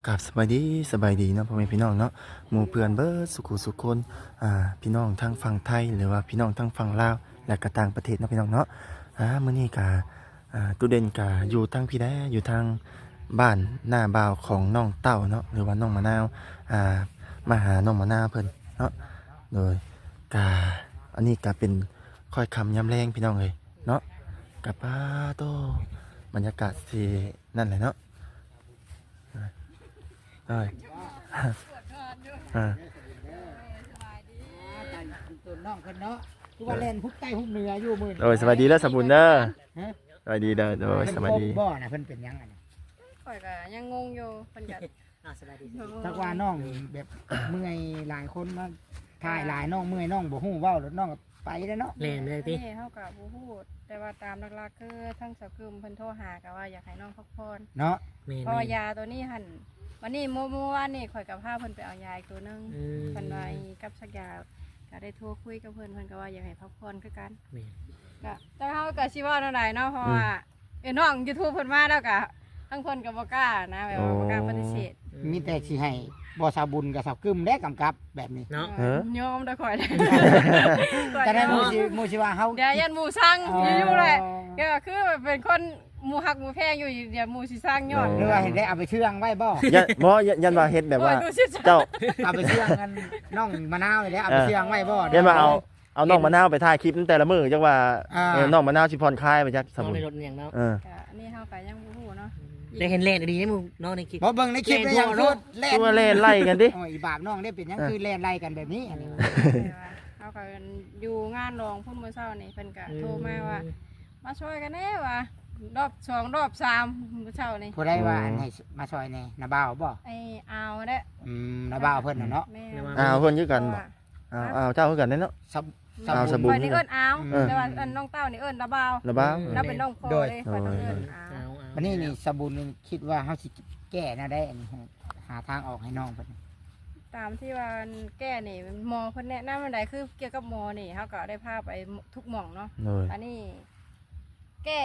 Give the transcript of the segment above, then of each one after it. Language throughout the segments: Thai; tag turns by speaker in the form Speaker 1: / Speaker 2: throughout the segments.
Speaker 1: กับสบายดีเนาะพ่อแม่พี่น้องเนาะหมู่เพื่อนเบิดสุขุสุขคนพี่น้องทั้งฝั่งไทยหรือว่าพี่น้องทั้งฝั่งลาวและก็ต่างประเทศเนาะพี่น้องเนาะมื้อนี้ก็ตุเด่นก็อยู่ทางพี่แดอยู่ทางบ้านหน้าบ่าวของน้องเต้าเนาะหรือว่าน้องมะนาวมาหาน้องมะนาวเพิ่นเนาะโดยก็อันนี้ก็เป็นค่อยคำย้ำแรงพี่น้องเลยเนาะกับโตบรรยากาศที่นั่นแหละเนาะได้
Speaker 2: ตัวน้องคนเนาะคือว่าเล่นฮุบใต้ฮุบเหนืออยู่มื้อ
Speaker 1: โดยสวัสดีแล้วสมบุญเด้อ
Speaker 2: ฮะ
Speaker 1: สวัสดีเด้อโดยสวัสดี
Speaker 2: บ่น่ะเพิ่นเป็นหยังอันนี้
Speaker 3: ข่อยก็ยังงงอยู่เพิ่นก็
Speaker 2: สบายดีจักว่าน้องแบบเมื่อยหลายคนมาถ่ายหลายน้องเมื่อยน้องบ่ฮู้เว้าแล้วน้องก็ไปแล้วเนาะ
Speaker 4: แล่นเลยติ
Speaker 3: นี่เฮาก็บ่ฮู้แต่ว่าตามหลักๆคือทั้งสาวกึมเพิ่นโทรหาก็ว่าอยากให้น้องพักผ่อน
Speaker 2: เนาะ
Speaker 4: แม่น
Speaker 3: เพราะว่ายาตัวนี้หั่นวันนี้เมื่อวานนี่ข่อยก็พาเพิ่นไปเอายาอีกตัวหนึง
Speaker 4: อืม
Speaker 3: เพิ่นว่ากับสักยาก็ได้โทรคุยกับเพิ่นก็ว่าอยากให้พักผ่อนคือกัน
Speaker 4: แม่น
Speaker 3: ก็แต่เฮาก็สิเว้าแนวใดเนาะเพราะว่าน้อง YouTube เพิ่นมาแล้วก็ทั้งเพิ่นก็บ่กล้านะแบบว่าบ่กล้าปฏิเสธ
Speaker 2: มีแต่สิให้บ่สาวบุญกับสาวกึมได้กำกับแบบนี้
Speaker 4: เนาะ
Speaker 3: ยอมได้ข่อยได้
Speaker 2: จะได้หมู่สิว่าเฮา
Speaker 3: เดี๋ยวยันหมู่สั่งอยู่แหละ ก็คือเป็นคนหมูหักหมูแพงอยู่เดี๋ยวหมูสิสร้างยอด
Speaker 2: หรือว่าเห็นได้เอาไปเชื่องไว้บ่
Speaker 1: ยันว่าเฮ็ดแบบว่า
Speaker 3: โอ้ยดูสิ
Speaker 1: เจ้า
Speaker 2: เอาไปเชื่องกันน้องมะนาวนี่แหละเอาไปเชื่องไว้บ่
Speaker 1: ยันว่าเอาน้องมะนาวไปถ่ายคลิปแต่ละมื้อจักว่า
Speaker 2: อ่า
Speaker 1: น้องมะนาวสิผ่อนคลายไปจักสม
Speaker 4: น้อง
Speaker 1: บุญ
Speaker 4: ในรถอย่างเนาะ
Speaker 3: ก็อันนี้เฮาก็ยังบ่ฮู้เนาะ
Speaker 4: ได้เห็นเล่นดีๆมึงน้องในคลิป
Speaker 2: บ่เบิ่งในคลิปได้ยังพูดเล่น
Speaker 1: ตัวเล่นไล่กันดิ
Speaker 2: โอ้ยอีบาปน้องได้เป็นหยังคือเล่นไล่กันแบบนี้อันนี้
Speaker 3: เฮาก็อยู่งานรองพุ่นมื้อเช้านี่เพิ่นก็โทรมาว่ามาช่วยกันแน่ว่ารอบ2รอบ3มื้อเช้านี่
Speaker 2: ผู้ใดว่าอันให้มาซอยแหน่นาบ่าวบ่
Speaker 3: ไอ้อาวเด้อ
Speaker 2: นาบ่าวเพิ่นน่ะเนาะ
Speaker 3: แม่
Speaker 1: เพิ่นคือกันบ่เจ้าคือกันเนาะ
Speaker 2: สับ
Speaker 1: เอาสบู่
Speaker 3: ข่อยนี่เอิ้นอาวแต่ว่าอันน้องเต้านี่เอิ้นตาบ่าว
Speaker 1: ระบ้า
Speaker 3: เราเป็นน้องพ่อเลยข่อยต้องเอิ้นอาว
Speaker 4: เอา
Speaker 2: วันนี้นี่สบู่นี่คิดว่าเฮาสิแก้น่าได้อันนี้หาทางออกให้น้องเพิ่น
Speaker 3: ตามที่ว่าแก้นี่หมอเพิ่นแนะนำอันใดคือเกี่ยวกับหมอนี่เฮาก็ได้พาไปทุกหม่องเนาะ
Speaker 1: โดย
Speaker 3: อันนี้แก้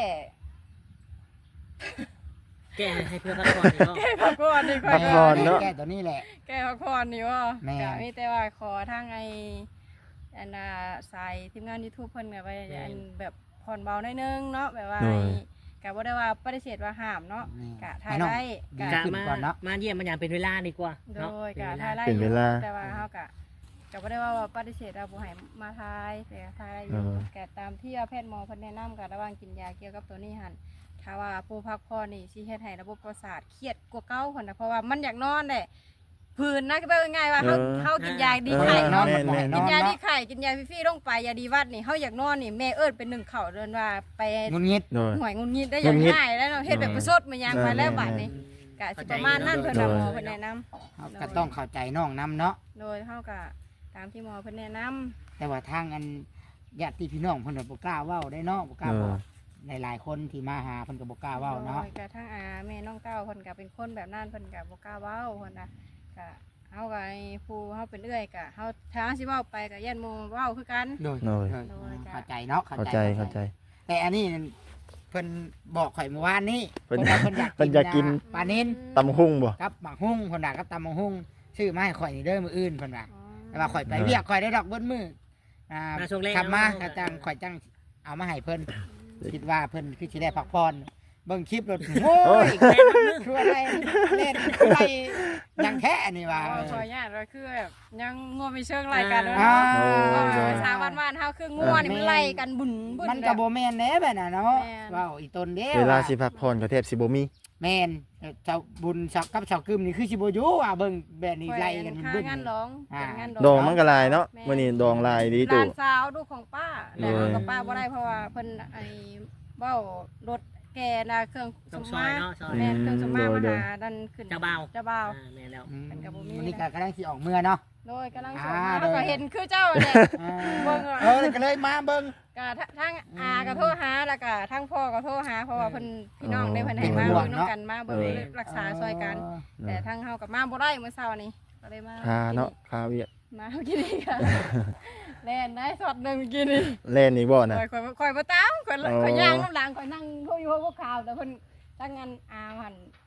Speaker 4: แก้ให้เพื่อนพักผ่อนอีกเนาะ
Speaker 3: แก้พักผ่อนนี่ค่
Speaker 1: พั
Speaker 3: อย
Speaker 1: กผ่อนเนาะ
Speaker 2: แก้ตัวนี้แหละ
Speaker 3: แก้พักผ่อนนี่ว่า
Speaker 2: แม่
Speaker 3: ก็มีแต่ว่าขอทางไอ้อันน่ะสายทีมงาน YouTube เพิ่นก็ไปอันแบบผ่อนเบาหน่อยนึงเนาะแบบว่าก็บ่ได้ว่าปฏิเสธว่าห้ามเนาะก็ถ่ายได้
Speaker 2: ดี
Speaker 3: ก็
Speaker 2: ขึ้นก่อนเนาะ
Speaker 4: มาเยี่ยมมันอย่างเป็นเวลาดีกว่า
Speaker 3: โด
Speaker 4: เนาะ
Speaker 3: ยก็ถ่ายได้
Speaker 1: เป็นเวลา
Speaker 3: แต่ว่าเฮาก็บ่ได้ว่าปฏิเสธว่าบ่ให้มาถ่ายแต่ถ่ายได้อยู่ก็ตามที่แพทย์หมอเพิ่นแนะนำก็ระวังกินยาเกี่ยวกับตัวนี้หั่นถ้าว่าผู้พักผ่อนนี่สิเฮ็ดให้ระบบประสาทเครียดกว่าเก่าพุ่นน่ะเพราะว่ามันอยากนอนแหละผื่นนะก็เป็นง่ายว่าเฮากินยาดีไข้เนาะ กินยาดีไข่กินยาฟรีๆลงไปยาดีวัดนี่เฮาอยากนอนนี่แม่เอิ้นเป็นหนึ่งเข่าเดินว่าไป
Speaker 2: งุนงิด
Speaker 1: โดย
Speaker 3: หวยงุนงิดได้อย่างง่ายแล้วเนาะเฮ็ดแบบประชดมายังมาแล้วบัดนี้ก็สิประมาณนั้นเพิ่นน่ะหมอเพิ่นแนะนำ
Speaker 2: เฮาก็ต้องเข้าใจน้องนํเนาะ
Speaker 3: โดยเฮาก็ตามที่หมอเพิ่นแนะนำ
Speaker 2: แต่ว่าทางอันญาติพี่น้องเพิ่นก็บ่กล้าเว้าได้เนาะบ่กล้าบอกหลายๆคนที่มาหาเพิ่นก็บ่กล้าเว้าเนาะ
Speaker 3: โดยก็ทั้งอาแม่น้องเต้าเพิ่นก็เป็นคนแบบนั้นเพิ่นก็บ่กล้าเว้าเพิ่นน่ะก็เฮาก็ไอ้ผู้เฮาเป็นเอื้อยก็เฮาถ้าสิเว้าไปก็ย่านหมู่เว้าคือกัน
Speaker 2: โดย
Speaker 1: โดย
Speaker 2: เข้าใจเนาะ
Speaker 1: เข้าใจ
Speaker 2: แต่อันนี้เพิ่นบอกข่อยเมื่อวานนี้
Speaker 1: เพิ่น
Speaker 2: ว่าเพิ่นอยาก
Speaker 1: เพิ่นอยากกิน
Speaker 2: ปลานิน
Speaker 1: ตำหุ่งบ่
Speaker 2: กับหมักหุ้งเพิ่นว่ากับตำบักหุ้งซื้อมาให้ข่อยนี่เด้อมื้ออื่นเพิ่นว่า
Speaker 3: อ๋อ
Speaker 2: แต่ว่าข่อยไปเวียกข่อยได้ดอกเบิ้มือ
Speaker 4: มาช่วงแรก
Speaker 2: ขับมาก็จังข่อยจังเอามาให้เพิ่นคิดว่าเพิ่นคือสิได้พักผ่อนเบิ่งคลิปรถโอ้ยคืออะไรเล่นอะไรยังแท้นี่ว่า
Speaker 3: ขออนุญาตว่าคือแบบยังงัวมีเชิงไล่กันเลย
Speaker 2: อ่า
Speaker 3: สาวบ้านๆเฮาคืองัวนี่มันไล่กันบุญบุญ
Speaker 2: มันก็บ่แม่นแหน่แบบน่ะเนาะ
Speaker 3: แม่น
Speaker 2: ว้าวอีตนเด้
Speaker 1: เวลาสิพักผ่อนก็แทบสิบ่มี
Speaker 2: แม่นเจ้าบุญสักกับเจ้ากึมนี่คือสิบ่อยู่ว่าเบิ่งแบบนี้ไล่กัน
Speaker 3: ค่า
Speaker 2: บึ้น
Speaker 3: งานร้อง
Speaker 2: อ่า
Speaker 3: เป็นงาน
Speaker 1: ดองมันก็ลายเนาะมื้อนี้ดองลายดี
Speaker 3: ห
Speaker 1: ตู่
Speaker 3: ลานสาวลูกของป้าแต่เอากับป้าบ่ได้เพราะว่าเพิ่นไอ้เว้ารถแกน่ะเครื่อง
Speaker 4: ต้อง
Speaker 3: ส
Speaker 4: ซ
Speaker 3: ม
Speaker 4: อ
Speaker 3: มาย
Speaker 4: เนาะซอย
Speaker 3: แม่นเครื่องสมมามาหาดันขึ้น
Speaker 4: เจ้าบ่าว
Speaker 3: เจ้าบ่าว
Speaker 4: แม่แล้ว
Speaker 3: มันก็บ่มี
Speaker 2: วันนี้ก็กำลังสิออกเมื่อเนาะ
Speaker 3: โดยกำลังส
Speaker 2: อ่า
Speaker 3: อนมา
Speaker 2: โดย
Speaker 3: ก็เห็นคือเจ้าเนี่ย เบิ่งอะ
Speaker 2: ก็เลยมาเบิ่ง
Speaker 3: ก็ทั้งอาก็โทรหาแล้วก็ทั้งพ่อก็โทรหาเพราะว่าเพิ่นพี่น้องได้เพิ่นให้มา
Speaker 2: เป็นห่ว
Speaker 3: เบิ่
Speaker 2: ง
Speaker 3: ง
Speaker 2: เนาะ
Speaker 3: นำกันมาเบิ่งรักษาซอยกัน แต่ทั้งเฮากับมาบ่ได้เมื่อเช้านี้ก็เลยมา
Speaker 1: คาเนาะคาเวียก
Speaker 3: มากินนี่ค่ะแล่นได้สอดหนึงกินนี่
Speaker 1: เล่นนี่บ่น่ะ
Speaker 3: ข่อยบ่ตามข่อย
Speaker 1: อ๋อ
Speaker 3: ย่างน้ำหลังข่อยนั่งโทรอยู่พวกข่าวแต่เพิ่นทั้งงานอาหั่น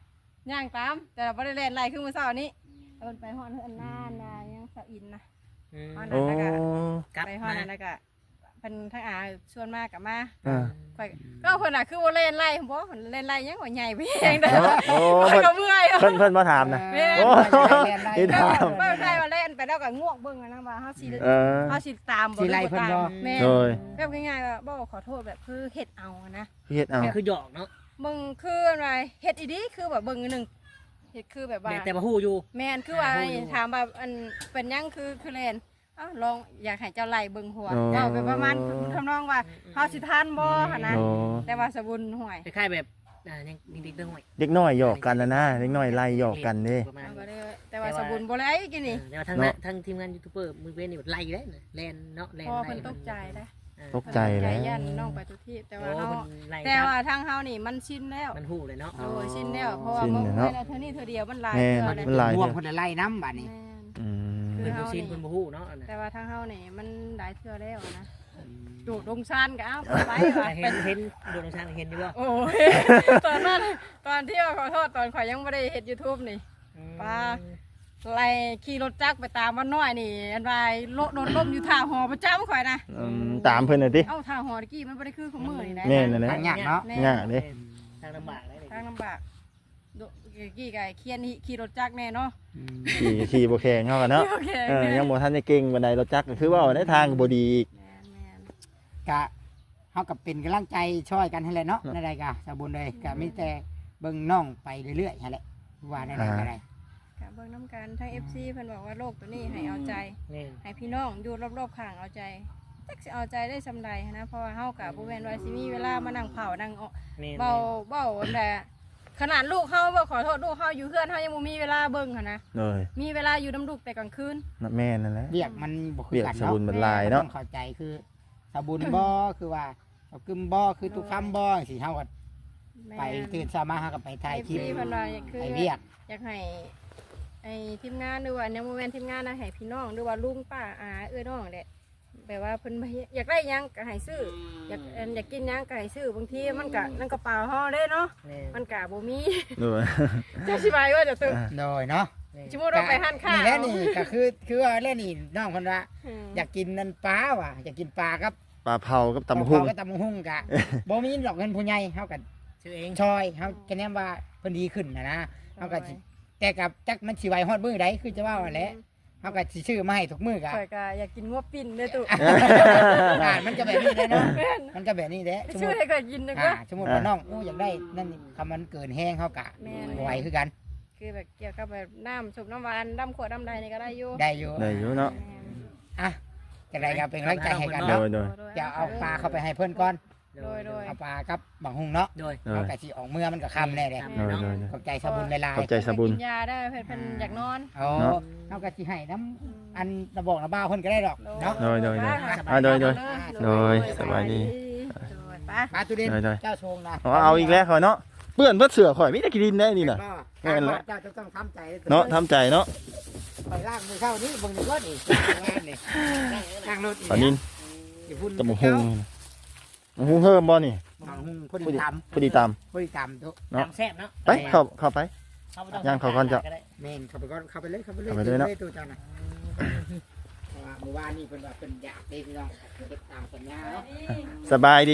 Speaker 3: ย่างตามแต่เราบ่ได้เล่นไรคือมื้อเช้านี้เอิ้นไปฮอดเฮือนนานายังสะอินนะ
Speaker 4: อืม
Speaker 3: ฮอด
Speaker 1: โอ้
Speaker 3: นั่นแล้วก็
Speaker 4: กลับ
Speaker 3: ไปฮอด
Speaker 4: มา
Speaker 3: นั่นแล้วก็เพิ่นทั้งอาชวนมากับมา
Speaker 1: อ่า
Speaker 3: ข่อยก็เพิ่นน่ะคือบ่เล่นไรบ่เพิ่นเล่นไรยังข่อยใหญ่ไปเองเด้อ
Speaker 1: โอ้
Speaker 3: ข่อย
Speaker 1: เพิ่น
Speaker 3: ก็เมื่อยอะ
Speaker 1: เพิ่นมาถามนะ
Speaker 3: แม่
Speaker 1: โอ้
Speaker 2: ที่
Speaker 1: ถาม
Speaker 3: บ่ได้ว่าเล่นไปแล้วก็ง่วงเบิ่งอะนะว่าเฮาสิ
Speaker 1: เออ
Speaker 3: เฮาสิตามบ่
Speaker 2: สิไล่เพิ่นบ่
Speaker 3: แม่
Speaker 1: โดย
Speaker 3: แบบง่ายๆว่าบ่ขอโทษแบบคือเฮ็ดเอาอะนะ
Speaker 1: เฮ็ดเอา
Speaker 4: คือหยอกเนาะ
Speaker 3: มึงคืออะไรเฮ็ดอีดีคือแบบเบิ่งอันหนึงเฮ็ดคือแบบว่า
Speaker 4: แม่แต่มาฮู้อยู่
Speaker 3: แม่นคือว่า
Speaker 4: โอ้ย
Speaker 3: ถามว่าอันเป็นหยังคือเล่นเอ้าลองอยากให้เจ้าไล่เบิ่งหัว
Speaker 1: อ๋อ
Speaker 3: เว้าไปประมาณทำนองว่าเฮาสิทันบ่หั่นนะ
Speaker 1: โอ้
Speaker 3: แต่ว่าสบุญห่วย
Speaker 4: คล้ายๆแบบยังดิ๊กๆเรื่องหวย
Speaker 1: เด็กน้อยหยอกกันนะนะเด็กน้อยไล่หยอกกันเด้
Speaker 4: ประมาณ
Speaker 3: เอาก็
Speaker 4: นี้
Speaker 3: ได้แต่ว่าสบุญบ่ได้กินนี่
Speaker 4: แต่ว่าทั้ง
Speaker 1: เนาะ
Speaker 4: ทั้งทีมงานยูทูบเบอร์มือเว้นนี่แบบไล่ได้นะแลนเนาะแลน
Speaker 3: พอ
Speaker 4: ไล่
Speaker 3: เพิ่นตกใจได้
Speaker 1: ตกใจแล้ว
Speaker 3: ย่านน้องไปทุกที่แต่ว่า
Speaker 4: โอ้
Speaker 3: เฮา
Speaker 4: มันไล่
Speaker 3: แต่ว่าทางเฮานี่มันชินแล้ว
Speaker 4: มันฮู้เลยเนาะ
Speaker 3: โอ้ยชินแล้วเพราะว่า
Speaker 1: ชิน
Speaker 3: มึง
Speaker 1: แล้ว
Speaker 3: ไม่
Speaker 1: เนาะ
Speaker 3: ได้เท่านี้เท่าเดียวมันหลาย
Speaker 1: แม่
Speaker 3: เทื่อเลย
Speaker 1: มันหลาย
Speaker 2: ม่วง
Speaker 1: เด้อ
Speaker 2: คนละไล่น้ำบัดนี้
Speaker 3: แม่น
Speaker 1: อืม
Speaker 4: เพิ่นบ่ชินเพิ่นบ่ฮู้เนาะอันนั้น
Speaker 3: แต่ว่าทางเฮานี่มันหลายเทื่อแล้วนะโดดลงชานก็เอ้าไปว่ะ
Speaker 4: เห็
Speaker 3: เป็น น
Speaker 4: เห็นโดนชางเห็นอยู่บ่
Speaker 3: โอ้ย ตอนนั้นตอนที่ว่าขอโทษตอนข่อยยังไม่ได้เห็น YouTube นี่ ป้า ไล่ขี่รถจักรไปตามมันน้อยนี่อันวายโลดล่มอยู่ท่าหอประจำข่อยนะ
Speaker 1: อืมตามเพิ่นน่ะติ
Speaker 3: เอ้าท่าหอตะกี้มันบ่ได้คือของมือนี่นะ
Speaker 1: แม่นนั่นแหละ
Speaker 2: ทางยากเนาะ
Speaker 1: ยากเด้
Speaker 4: ทางลำบากเลย
Speaker 3: ทางลำบากโดกี้ไก่เคียนนี่ขี่รถจักรแน่เนาะ
Speaker 1: ขี่บ่แข็งเฮากันเนาะ
Speaker 3: โอเค
Speaker 1: เออยังบ่ทันได้เก่งบันไดรถจักรก็คือว่าในทางก็บ่ดีอีก
Speaker 3: แม่นแม่น
Speaker 2: กะเฮากับเป็นกำลังใจช่วยกันให้แหละเนาะในใดกะสาบุญเลยกะมีแต่เบิ่งน้องไปเรื่อยๆหั่นแหละว่าในใดก็ได้
Speaker 3: กะเบิ่งน้ำกันทั้ง FC เพิ่นบอกว่าโรคตัวนี้ให้เอาใจ
Speaker 4: นี่
Speaker 3: ให้พี่น้องอยู่รอบๆข้างเอาใจจักสิเอาใจได้สำใดหั้นนะเพราะว่าเฮากับบ่แม่นว่าสิมีเวลามานั่งเผานั่งเอา
Speaker 4: นี่
Speaker 3: เบาอันใดขนาดลูกเฮาบ่ขอโทษลูกเฮาอยู่เฮือนเฮายังบ่มีเวลาเบิ่งหั่นนะ
Speaker 1: เลย
Speaker 3: มีเวลาอยู่น้ำลูกแต่กลางคืน
Speaker 1: นั่นแม่นั่นแหละ
Speaker 2: เรียกมันบ่คือ
Speaker 1: เรียก
Speaker 2: กัน
Speaker 1: ส
Speaker 2: เนาะ
Speaker 1: บุญบรรลายเนาะ
Speaker 2: ต้องเข้าใจคือสาบุญบ่คือว่าเอากึมบ่คือทุกคำบ่สิเฮาก็
Speaker 3: แม่
Speaker 2: ไปตื่นเช้ามาเฮาก็ไปถ่ายคลิป
Speaker 3: เพิ่นว่าคือ
Speaker 2: ไปเรียก
Speaker 3: อยากให้ไอ้ทีมงานหรือว่าในโมเมนต์ทีมงานนะให้พี่น้องหรือว่าลุงป้าอาเอ้ยน้องแหละแบบว่าเพิ่นอยากได้หยังก็ให้ซื้ออยากกินหยังก็ให้ซื้อบางทีมันก็นั่นกระเป๋าเฮาเด้เนาะ
Speaker 4: นี่
Speaker 3: มันก็บ่มี
Speaker 1: ด้วย
Speaker 3: จะอธิบายว่าจะตึก
Speaker 2: โดยเนาะ
Speaker 3: สมมุติเราไปห้านข้าว
Speaker 2: นี่แหละนี่ก็คือว่าเล่นนี่น้องเพิ่นว่าอยากกินนั่นปลาว่ะอยากกินปลากับ
Speaker 1: ปลาเผากับตำหุ่ง
Speaker 2: ก็ตำหุ่งกะ บ่มีดอกเงินผู้ใหญ่เฮาก็
Speaker 4: ชื่อเอง
Speaker 2: ชอยเฮาก็แนะว่าเพิ่นดีขึ้นนะเฮาก็สิแต่กับจักมันสิไหวฮอดมื้อใดคือจะว่าว่าแหละเฮาก็สิซื้อมาให้ทุกมื้อกะ
Speaker 3: ข่อยก็อยากกินงวปิ้นเด้อตุ
Speaker 2: อ่ามันก็แบบนี้แหละเนาะมันก็แบบนี้แหละสมมุ
Speaker 3: ชื่อ
Speaker 2: ติ
Speaker 3: ให้ข่อยกินนึงก็
Speaker 2: สมมุติว่าน้องอยากได้นั่นนี่คำมันเกินแห้งเฮากะ
Speaker 3: แม่น
Speaker 2: บ่ไหวคือกัน
Speaker 3: คือแบบเกี่ยวกับแบบน้ำสุบน้ำหวานน้ำขวดน้ำใดนี่ก็ได้อยู่
Speaker 2: ได้อยู่
Speaker 1: ได้อยู่เนาะ
Speaker 2: อ่ะจังไดก็เป็นกำลังใจให้กัน
Speaker 1: โด
Speaker 2: เนาะ
Speaker 1: ยโดย
Speaker 2: จะเอาปลาเข้าไปให้เพิ่นก่อน
Speaker 3: โดย
Speaker 2: เอาปลากับบังหุงเนาะ
Speaker 4: โดย
Speaker 1: โด
Speaker 2: เอา
Speaker 1: ย
Speaker 2: กะสิออกเมื่อมันก็ค่ำแน่เด้
Speaker 1: โดยโดย
Speaker 2: ขอบใจสบุญหลาย
Speaker 1: ขอบใจสบุญ
Speaker 3: กินยาได้เพิ่นอยากนอน
Speaker 2: ๆโอ้
Speaker 1: เนาะ
Speaker 2: เอากะสิให้น้ำอันระบอกระบ้าเพิ่นก็ได้ดอกเนาะ
Speaker 1: โดยโดยโดย
Speaker 3: ไป
Speaker 1: อ่าโดยโดยโดยสบายดี
Speaker 3: โดยไป
Speaker 2: ปลาตุเด่น
Speaker 1: ได้
Speaker 2: เจ้าชงนะ
Speaker 1: เอาอีกแล้วข่อยเนาะเปื้อนเพื่อเสือข่อยมีแต่กินได้นี่น่ะ แม่นละ
Speaker 2: เจ้าจะต้องทำใจ
Speaker 1: เนาะทำใจเนาะ
Speaker 2: ไปล่างมือเข้านี่เบิ่งดีกว่านี่งานนี่ล่างรถอีก
Speaker 1: ปลานิน
Speaker 2: อย่าพุ่น
Speaker 1: ตำบักหุ่งตำบักหุ่งเพิ่มบ่นี่
Speaker 2: บังหุงพอ
Speaker 1: พอ
Speaker 2: ดี
Speaker 1: ดี
Speaker 2: ต
Speaker 1: พอดีตาม
Speaker 2: ำพอดีตำทุก
Speaker 1: เนาะ
Speaker 4: น้ำแซ่บเนาะ
Speaker 1: ไปเข้าไป ย่างเขาก่อนจ้ะ
Speaker 2: แม่นเข้าไปก่อนเข้าไปเลยเข้าไปเลย
Speaker 1: เข้าไปเลยเนาะ
Speaker 2: ตัวเจ้าน่ะเพราะว่าเมื่อวานนี่เพิ่นว่าเพิ่นอยากได้พี่น้องเฮ็ดตามสัญญาเนาะ
Speaker 1: สบายดี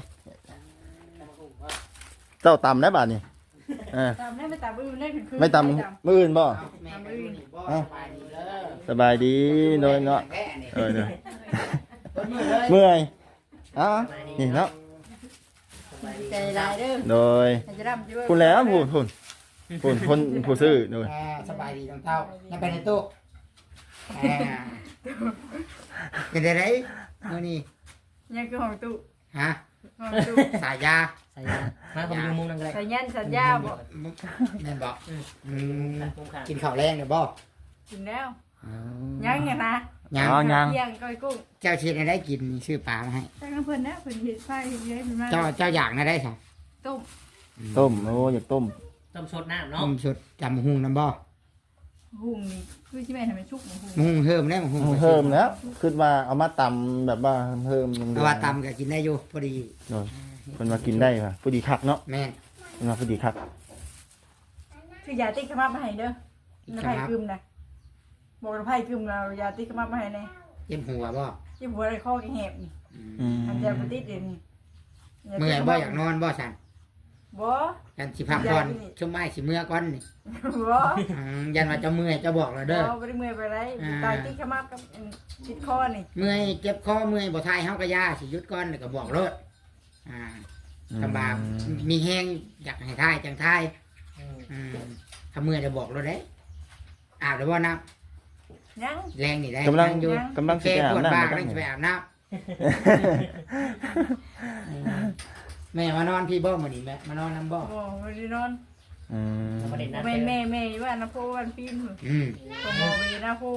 Speaker 1: เจ้าตำได้บาดนี่เออ
Speaker 3: ตามได้ไม่ตามอื่นได้คือ
Speaker 1: ไม่ตำมื้ออื่นบ่
Speaker 2: แม่ก็อยู่นี่บ่
Speaker 1: เอ้า
Speaker 2: สบายดีเด้อ
Speaker 1: สบายดีโดยเนาะ
Speaker 2: แม่นี่
Speaker 1: เออเด้อ
Speaker 2: เพิ่นมือเลย
Speaker 1: เมื่อยเอ้านี่เนาะ
Speaker 3: ใจลายเด้อ
Speaker 1: โดย
Speaker 3: จะร่ำจะ
Speaker 1: คุณแล้วคุณคนผู้ซื้อโดย
Speaker 2: อ่าสบายดีน้องเต้ายังไปในตู้อ่าเป็นไดมื้อนี้
Speaker 3: ยังคือของตู้
Speaker 2: ฮะ
Speaker 3: ของตู้
Speaker 2: สายยา
Speaker 4: ใส่ยามาผมอยู่มุมนั่นก็ได้
Speaker 3: สัญญาณสัญญาบ่
Speaker 2: แม่นบ่
Speaker 4: อืม
Speaker 2: อืม
Speaker 4: มุมข้าง
Speaker 2: กินข้าวแรงเด้อบ่
Speaker 3: กินแล้วยังไงนะ
Speaker 2: ยัง
Speaker 1: อ๋อยัง
Speaker 3: เที่ยงก้อยกุ้ง
Speaker 2: เจ้าชิดได้กินนี่ชื่อปลามาให้
Speaker 3: แต่เพิ่นนะเพิ่นเฮ็ดไฟเฮ็ดเลยมันมา
Speaker 2: เจ้าอยากนะได้ค่ะ
Speaker 3: ต้ม
Speaker 1: ต้มโอ้อยากต้ม
Speaker 4: ต้มสดน้ำเนาะ
Speaker 2: ต้มชุดจำหุงน้ำบ่
Speaker 3: หุงนี่คือสิแม่นให้มันชุกบ่หุง
Speaker 2: หุงเพิ่มได้หุง
Speaker 1: เพิ่มแล้วคิดว่าเอามาตำแบบว่าเพิ่ม
Speaker 2: เอาว่าตำก็กินได้อยู่พอดี
Speaker 1: โดยเพิ่นว่ากินได้ค่ะพอดีคักเนาะ
Speaker 2: แม่น
Speaker 1: เพิ่นว่าพอดีคัก
Speaker 5: คือยาติ๊กขมับมาให้เด้อน้ำไผ่กึมนะบอกน้ำไผ่กึมเรายาติ๊กขมับมาให้แน่
Speaker 2: เจ็บหัวบ่
Speaker 5: ที่หัวอะไรข้อแหบนี่
Speaker 1: อืม
Speaker 5: อันเดียวปฏิดเดี๋ยวนี้
Speaker 2: เมื่อยบ่อยากนอนบ่สั่น
Speaker 5: บ่
Speaker 2: กันสิพักก่อนช่วงไม้สิเมื่อก่อนนี่
Speaker 5: บ่
Speaker 2: ยันว่าจะเมื่อยจะบอกเลยเด้อ
Speaker 5: บ่ได้เมื่อยไปไรตายติ๊กขมับกับชิดคอนี่
Speaker 2: เมื่อยเจ็บคอเมื่อยบ่ทายเฮาก็ยาสิหยุดก่อนแล้วก็บอกรถคำบามีแห้งอยากให้ทายจังทาย
Speaker 4: อืม
Speaker 2: ถ้าเมื่อยจะบอกรถได้อาบได้บ่น้
Speaker 5: ยัง
Speaker 2: ำแรงนี่ได้
Speaker 1: กำลัง
Speaker 2: อยู่
Speaker 1: กำลังสิ
Speaker 2: แค่
Speaker 1: ไปอา
Speaker 2: ป
Speaker 1: บ
Speaker 2: วด
Speaker 1: น้ำ
Speaker 2: บ้า
Speaker 1: แล้ว
Speaker 2: กำลัง
Speaker 1: ก็
Speaker 2: จะไปอาบน้ำแม่มานอนพี่บ่มื้อนี้แม่มานอนน้ำบ่
Speaker 5: บ่ไม่ได้นอน
Speaker 1: อืม
Speaker 4: แล้วประเด็นนั้น
Speaker 5: แม่ว่านะพ่อวันปีน
Speaker 2: อืม
Speaker 5: ตัวมอเวนะพ่อ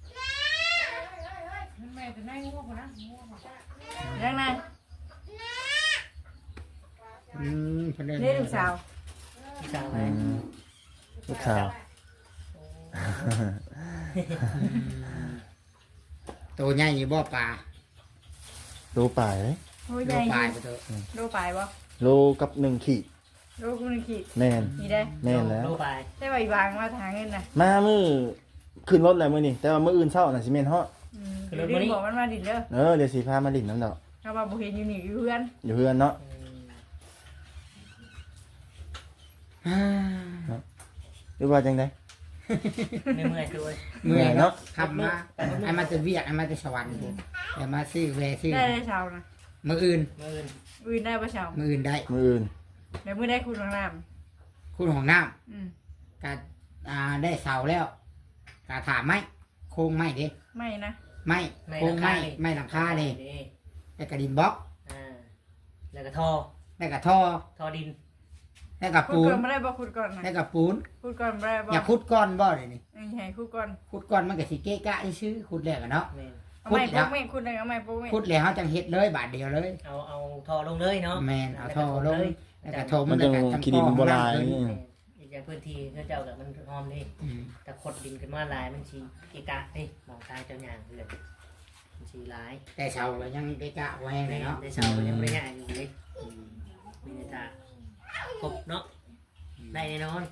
Speaker 5: ยังไง
Speaker 2: เพิ่นเดิน
Speaker 5: นี่ลูกสาว
Speaker 4: ที่สาว
Speaker 1: อื
Speaker 4: ไว้
Speaker 1: มลูกสาว
Speaker 2: ตัวใหญ่อยู่บ่ปลา
Speaker 1: โลป่ายเลย
Speaker 5: โอ้ย
Speaker 2: โล
Speaker 5: ใหญ่
Speaker 2: ปลายไปเถอะ
Speaker 5: โลปลายบ่
Speaker 1: โลกับ1 ขีด
Speaker 5: โลกุนขีด
Speaker 1: แม่น
Speaker 5: นี่ได้
Speaker 1: แม่นแล้ว
Speaker 4: โลไป
Speaker 5: ได้ใบบางมาทางเงินนะ
Speaker 1: มามื้อขึ้นรถแล้วมื้อนี้แต่ว่ามื้ออื่นเช้าน่ะสิแม่นเฮาะ
Speaker 5: เดี๋ยวดิบอกมันมาดินเด้อ
Speaker 1: เดี๋ยวสิพามาลิ้นน้ำดอก
Speaker 5: เขามาบุเห็นอยู่นี่อยู่เพื่อน
Speaker 1: อยู่เฮือนเนาะ หรือว่าจังได๋
Speaker 4: ไม่เมื่อยด้วย
Speaker 2: เมื่อย
Speaker 1: เนาะ
Speaker 2: เนาะขับมาไอ้มาแต่เวียกไอ้มาแต่สวรรค์แต่มาซื้อแวซื้อ
Speaker 5: ได้ได้ชาวนะ
Speaker 2: มื้ออื่น
Speaker 4: มื่อื่น
Speaker 5: อื่นได้ปะชาว
Speaker 2: มื้ออื่นได้
Speaker 1: มื้ออื่น
Speaker 5: เดี๋ยวมือได้คุณของน้
Speaker 2: คุณของน้
Speaker 5: ำ
Speaker 2: ำก็ได้เสาแล้วก็ถามไหมโครงไหมเด้
Speaker 5: ไม่นะ
Speaker 2: ไม่โครงไหมไม่หลังคาเลยแล้วก็ดินบล็อก
Speaker 4: อ่าแล้วก็ท่อ
Speaker 2: แล้วก็ท่อ
Speaker 4: ท่อดิน
Speaker 2: แล้วก็
Speaker 5: คุด
Speaker 2: ปู
Speaker 5: ก่อน นไม่ได้บ่คุดก่อนนะ
Speaker 2: แล้วก็ปูน
Speaker 5: คุดก่อนไม่ได้บ่
Speaker 2: อย่าขุดก้อนบ่เลยนี่
Speaker 5: ใช่คุดก่อน
Speaker 2: ขุดก้อนมันก็สิเกะกะซื้อขุดแล้วกันเนาะ
Speaker 4: แม่น
Speaker 5: เอาไม่พวกไม่คุดเลยเอาไม่พวกไม่
Speaker 2: ขุดแล้วเฮาจังเฮ็ดเลยบาทเดียวเลย
Speaker 4: เอาท่อลงเลยเนาะ
Speaker 2: แม่นเอาท่อลงแล้วก็โทร
Speaker 1: มันจะขี้ดินโบราณ
Speaker 2: ขึ้น
Speaker 1: นี่
Speaker 4: อีกอย่างพื้นที่เขาเจ้ากับมันหอมนี่
Speaker 2: อืม
Speaker 4: แต่ขดดินขึ้นมาลายมันชีกีกะนี่มองตายเจ้าหยางเลยมันชีร้าย
Speaker 2: แต่เสาก็ยังเกะกะบ่แห้งเลยเนาะ
Speaker 4: ในเสายังไม่ได้ง่ายอยู่เลยมีแต่ตาครบเนาะได้แน่นอน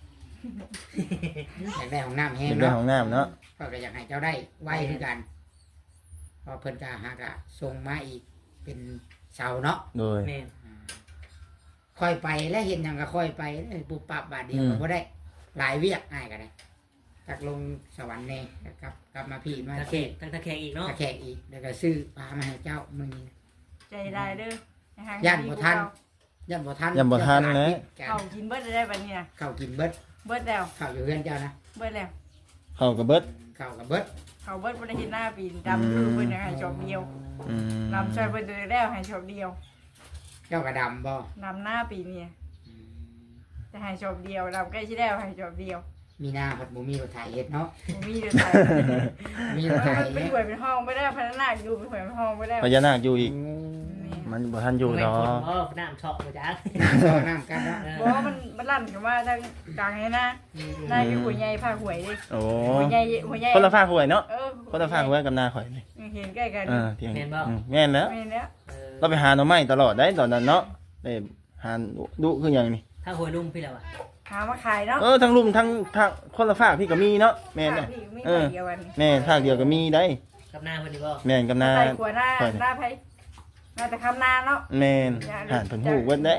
Speaker 2: อยากได้ของน้ำแห้
Speaker 1: อง ยากได้
Speaker 2: เนาะ
Speaker 1: ห้องน้ำเนาะ
Speaker 2: ก็อยากให้เจ้าได้ไว้คือกันเพอเพิ่นก็หากะส่งมาอีกเป็นเสาเนาะ
Speaker 1: โดย
Speaker 4: แม่น
Speaker 2: ค่อยไปและเห็นหยังก็ค่อยไปปุบปับบาทเดียวก็บ่ได้ หลายเวียกง่ายก็ได้จากลงสวรรค์แน่กลับมาพี่มา
Speaker 4: ตะ
Speaker 2: เท
Speaker 4: เข
Speaker 2: ศ
Speaker 4: กตั้งตะเขกอีกเนาะ
Speaker 2: ตะแขกอีกแล้วก็ซื้อปลามาให้เจ้ามื้อนี้
Speaker 5: ใจได้เด้อ
Speaker 2: ย่านบ่ทัน ย่ำบ่ทัน
Speaker 1: ย่ำบ่ทันนะ
Speaker 5: เขากินเบิดได้บัดนี้นะ
Speaker 2: เข้าวกินเบิด
Speaker 5: เบิดแล้ว
Speaker 2: ข้าวอยู่เฮือนเจ้านะ
Speaker 5: เบิดแล้ว
Speaker 1: เข้ากับเบิด
Speaker 2: ข้าวกับเบิด
Speaker 5: เขาเบิดบ่ได้เห็นหน้าปีนดำคือเพิ่นให้ชอบเดียว
Speaker 1: อืม
Speaker 5: นำช่วยเพิ่นตัวแล้วให้ชอบเดียว
Speaker 2: เจ้ากระดำบ่
Speaker 5: นำหน้าปีนี้จะให้ชอบเดียวดำใกล้สิแล้วให้ชอบเดียว
Speaker 2: มีหน้าพัดบ่มีรถไถเฮ็ดเนาะ
Speaker 5: บ่มีเด้อไทย
Speaker 2: มีรถไถ
Speaker 5: มันเป็นหวยเป็นห้องไม่ได้พนักงานอยู่เป็นหวยเป็นห้องไม่ได้
Speaker 1: พญานาคอยู่อีก
Speaker 5: นี่
Speaker 1: มันบ่ทันอยู่
Speaker 4: ไม่
Speaker 1: ดอ
Speaker 4: ฝน
Speaker 1: ก
Speaker 4: เพราะน้ำเฉาะมาจาก
Speaker 2: ซ้อน้ำกันเนาะ
Speaker 5: บอกว่ามันลั่นกันว่าทางกลางนี่นะนายคือหัวใหญ่ผ้าหวยดิ
Speaker 1: โอ้
Speaker 5: หัวใหญ่หัวใหญ่
Speaker 1: คนละฝากหวยเนาะ
Speaker 5: เออ
Speaker 1: คนละฝากหวยกับนาข่อยนี่
Speaker 5: เห็นใกล้กัน
Speaker 1: เที่ยงแม่นแล้ว
Speaker 5: ไม่เนี้ย
Speaker 1: เราไปหาหน่อไม้ตลอดได้ตอนนั้นเนาะได้หาดุคือหยังนี่
Speaker 4: ถ้าหวยลุ่มพี่แล้วอ่ะ
Speaker 5: หามาขายเนาะ
Speaker 1: ทั้งลุมทั้งคนละฝากพี่ก็มีเนาะแม่น
Speaker 5: ไม่
Speaker 1: เนี่ย
Speaker 5: ไม่เดียวกัน
Speaker 1: แม่ฝากเดียวก็มีได้
Speaker 4: กับหน้าเพิ่นดีบ่
Speaker 1: แม่นกับนา
Speaker 5: ใส่ขวดหน้าหน้าไผ่หน้าแต่คำนาเนาะ
Speaker 1: แม่นหานเพิ่นฮู้เบิดได้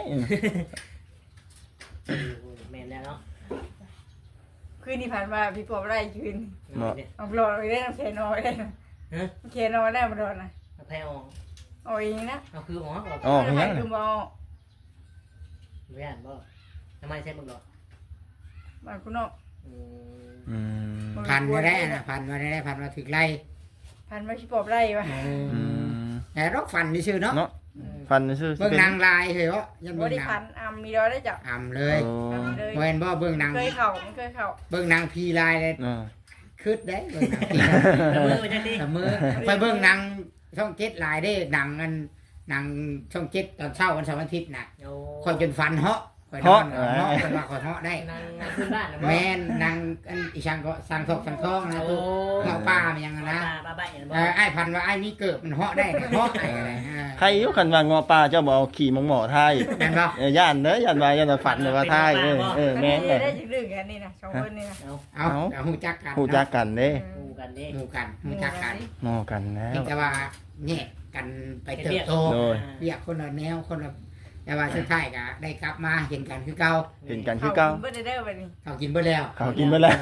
Speaker 4: แม่นแล้วเนาะ
Speaker 5: คืนที่ผ่านมาพี่ปอบไล่ยืน
Speaker 4: เนาะเนี่ย
Speaker 5: เอาหลอดไปได้น้ำเคนอยได้
Speaker 4: ฮะ
Speaker 5: เคนอยได้มาโดนนะ
Speaker 4: เอาแพ้ออก
Speaker 5: เอาเองนะ
Speaker 4: เอาคืออ๋อออก
Speaker 1: อ๋อเป็นหยัง
Speaker 5: คือมอ
Speaker 4: ไม่อ่านบ่ทำไมใช่บ่หรอ
Speaker 5: บ้านคุณเนาะ
Speaker 4: อืม
Speaker 1: อืม
Speaker 2: พันมาได้นะพันมาได้พันมาถึงไล่
Speaker 5: พันมาพี่ปอบไล่วะ
Speaker 1: อืม
Speaker 2: แต่รกฟันนี่ชื่อเนาะ
Speaker 1: เนาะฟันซื่อ
Speaker 2: เบิ่งนางลายเหรอยัง
Speaker 5: บ
Speaker 2: เบิ่ง
Speaker 5: ริ
Speaker 2: นาง
Speaker 5: พันอ่ำมีร้อยได้จับ
Speaker 2: อ่ำเลย
Speaker 1: โอ้
Speaker 5: เลย
Speaker 2: เห็นบ่เบิ่งนาง
Speaker 5: เคยเข่าไม่เคยเข่า
Speaker 2: เบิ่งนางพีลายเลย
Speaker 1: อ่า
Speaker 2: คืดได้เบิ่งนางพีลาย
Speaker 4: แต่มือมันจะดี
Speaker 2: แต่มือไปเบิ่งนางช่องเจ็ดลายได้นางอันนางช่องเจ็ดตอนเช้าวันเสาร์วันอาทิตย์น่ะ
Speaker 4: โอ้
Speaker 2: คอยจนฟันเหาะข่อยนอนเหาะเพิ่นว่าข่อยเหาะได้
Speaker 4: นางขึ้นบ้านนะบ่
Speaker 2: แม่นนางอันอีช่างก็สั่งทอกสั่งทองนะ
Speaker 4: โอ้
Speaker 2: ตู้เหาะป้ามันยังนะ
Speaker 4: ป้าใบเนี่ยบ่
Speaker 2: ไอ้พันว่าไอ้นี่เกิดมันเหาะได้เนี่ยเหาะไอ้อะไร
Speaker 1: ใครอยู่คันว่างอปลาเจ้าบ่เอาขี่มังหมอไทย
Speaker 2: แม่นบ่
Speaker 1: ย่านเด้อย่านว่าฝันว่าไทยแม่น
Speaker 5: ได้
Speaker 1: เด้
Speaker 5: ได้จึงดึงอันนี้นะสองคนนี่นะ
Speaker 4: เอา
Speaker 2: เอาหูจักกัน
Speaker 1: ฮู้จักกันเด้
Speaker 4: ดูกันเด้
Speaker 2: หมู่กันหูจักกัน
Speaker 1: งอกันแล้
Speaker 2: เพียง
Speaker 1: ว
Speaker 2: แต่ว่าแยกกันไปเติบโต
Speaker 1: โดย
Speaker 2: เรียกคนละแนวคนละแต่ว่าสุดท้ายก็ได้กลับมาเห็นกันคือเก่า
Speaker 1: เห็นกันคือเก่า
Speaker 5: เบิดได้ไปนี่
Speaker 2: เขากินเบ่แล้ว
Speaker 1: เขากินไปแล้ว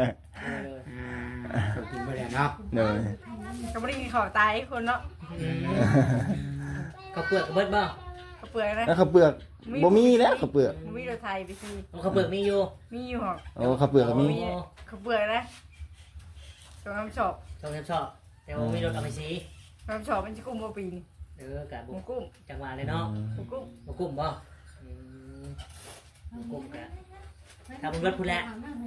Speaker 2: เขากินเบ่แล้วเนาะ
Speaker 1: เด้อ
Speaker 5: ก็ไม่ได้กินข้าวตายคนเนาะ
Speaker 4: เขาเปลือกเบิดบ่
Speaker 5: ข้าวเปลือกนะ
Speaker 1: แล้วข้าวเปลือกบ่มีแล้วข้าวเปลือก
Speaker 5: มีรถไทยไปสิ
Speaker 4: เขาเปลือกมีอยู่
Speaker 5: มีอยู่หอก
Speaker 1: โอ้ข้าวเปลือกก็มี
Speaker 5: ข้าวเปลือกนะตรงน้ำชอบ
Speaker 4: ชอบแต่ว่ามีรถเอาไปสี
Speaker 5: น้ำชอบมันจะกุ้มบ่ปีน
Speaker 4: กับ
Speaker 5: หมูกุ้ม
Speaker 4: จังหวะเลยเนาะ
Speaker 5: หมูกุ้ม
Speaker 4: บ่กุ้มบ่กุ้มกะถ้ามึงรถพูดแล้ว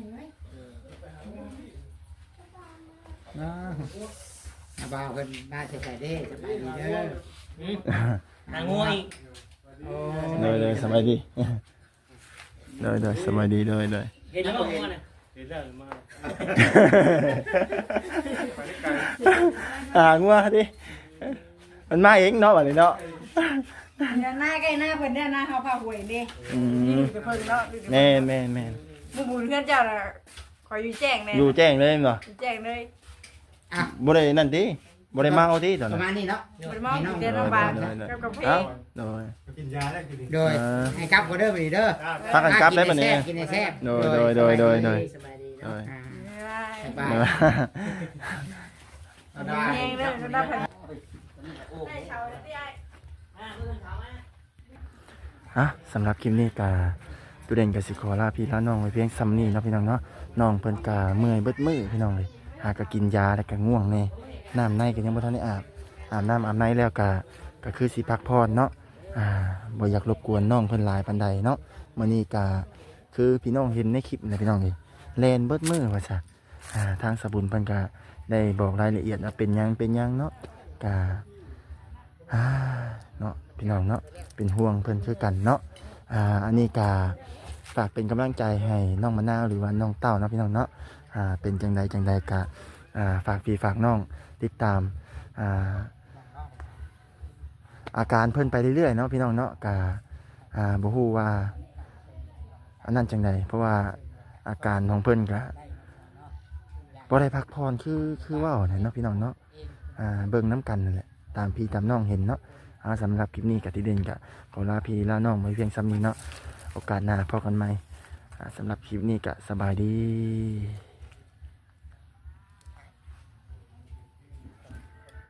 Speaker 2: อาบ่าวเพิ่นมาใส่เด้สบายดีเด้อ
Speaker 4: นางงัวอีก
Speaker 2: โอ้
Speaker 1: เลยสบายดีเลยสบายดีเลย
Speaker 4: เห็นแล้วบ่งัวน่ะ
Speaker 1: งัวดิมันมาเองเนาะบัดนี้เนาะ
Speaker 5: หน้าใกล้หน้าเพิ่นเนี่ยหน้าเฮาพาหวยเด้
Speaker 1: อืม
Speaker 5: ไปเพิ่นเนาะ
Speaker 1: แม่น
Speaker 5: บุญเพื่อนเจ้าน่ะขออยู่แจ้งแน่
Speaker 1: อยู่แจ้งเลยเนาะ
Speaker 5: อยู่แจ้งเลย
Speaker 2: อ่ะ
Speaker 1: บ่ได้นั่นติบ่ได้เมาติตอน
Speaker 2: ป
Speaker 1: นั้
Speaker 2: ระ
Speaker 1: น
Speaker 2: มาณนี้เนาะ
Speaker 5: บ่ได้เมากินเดือนละบาทกับกาแฟ
Speaker 1: เอ้าโดย
Speaker 2: โดยให้กลับก็เด้อบัดนี้เด้อ
Speaker 1: พักกันกลับได้บัดนี้
Speaker 2: กินให้แซ่บ
Speaker 1: โดย
Speaker 4: สบายดี
Speaker 1: โดย
Speaker 2: อ่า
Speaker 5: บ๊ายบาย
Speaker 2: สบาย
Speaker 5: เอาได้แห้งเด้อเอาได้เพิ่น
Speaker 4: โอ้
Speaker 5: ได้เช้าได้ไอ้
Speaker 1: ฮะสำหรับคลิปนี้ก็ตุเด่นกับสิขอลาพี่ลาน้องไว้เพียงซ้ำนี้เนาะพี่น้องเนาะน้องเพิ่นก็เมื่อยเบิดมือพี่น้องเลยหาก็กินยาแล้วก็ง่วงแน่น้ำในก็ยังบ่ทันได้อาบน้ำอาบในแล้วก็คือสิพักผ่อนเนาะบ่อยากรบกวนน้องเพิ่นหลายปานใดเนาะมื้อนี้ก็คือพี่น้องเห็นในคลิปนะพี่น้องนี่แลนเบิดมือว่าซะทางสบุญเพิ่นก็ได้บอกรายละเอียดว่าเป็นหยังเนาะก็เนาะพี่น้องเนาะเป็นห่วงเพิ่นคือกันเนาะอันนี้ก็ฝากเป็นกำลังใจให้น้องมะนาวหรือว่าน้องเต้าเนาะพี่น้องเนาะเป็นจังใดก็ฝากพี่ฝากน้องติดตามอาการเพิ่นไปเรื่อยๆเนาะพี่น้องเนาะก็บ่ฮู้ว่าอันนั้นจังใดเพราะว่าอาการของเพิ่นก็บ่ได้พักผ่อนคือเว้าเนี่ยเนาะพี่น้องเนาะเบิ่งน้ำกันนั่นแหละตามพี่ตามน้องเห็นเนาะสำหรับคลิปนี้กับที่เด่นก็ขอลาพี่ลาน้องไว้เพียงซ้ำนี้เนาะโอกาสหน้าพบกันใหม่สำหรับคลิปนี้ก็สบายดี